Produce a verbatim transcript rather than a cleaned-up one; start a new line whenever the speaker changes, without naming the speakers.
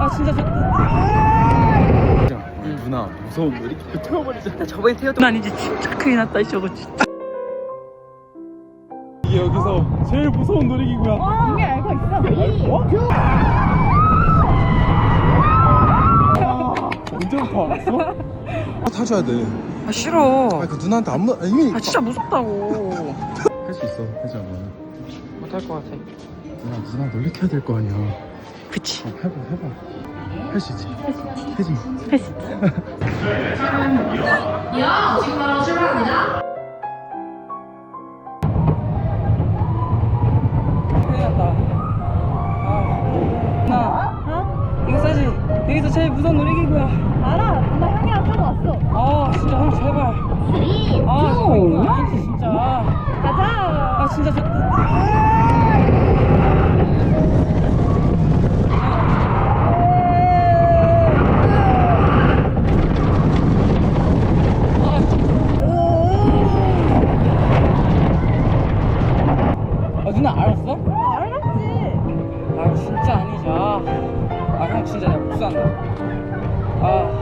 진짜 좋다.
응. 누나 무서운 거 이렇게 태워버리자.
나 저번에 태웠던 아니지. 진짜 큰일 났다 저거 진짜.
이게 여기서 제일 무서운 놀이기구야.
이미 알고 있어.
어? 언제부터 알았어? 아, 타줘야 돼.
아 싫어.
아, 그 누나한테 안 무, 아, 이미.
아 진짜 무섭다고.
할 수 있어, 혜지야, 너는.
못할 것 같아.
누나, 누나 놀래켜야 될 거 아니야.
그치.
어, 해봐, 해봐. 할 수 있지. 혜지.
할 수 있지. 큰일 났다. 아, 나
어?
이거 사실 여기서 제일 무서운 놀이기구야.
알아. 나 형이랑 타고 왔어.
아 진짜 형 제발. 아 정말 이거 아니지 진짜.
가자.
아 진짜 좋다. 아 누나 알았어?
알았지.
아 진짜 아니죠. 아 형 진짜 내가 복수한다. 아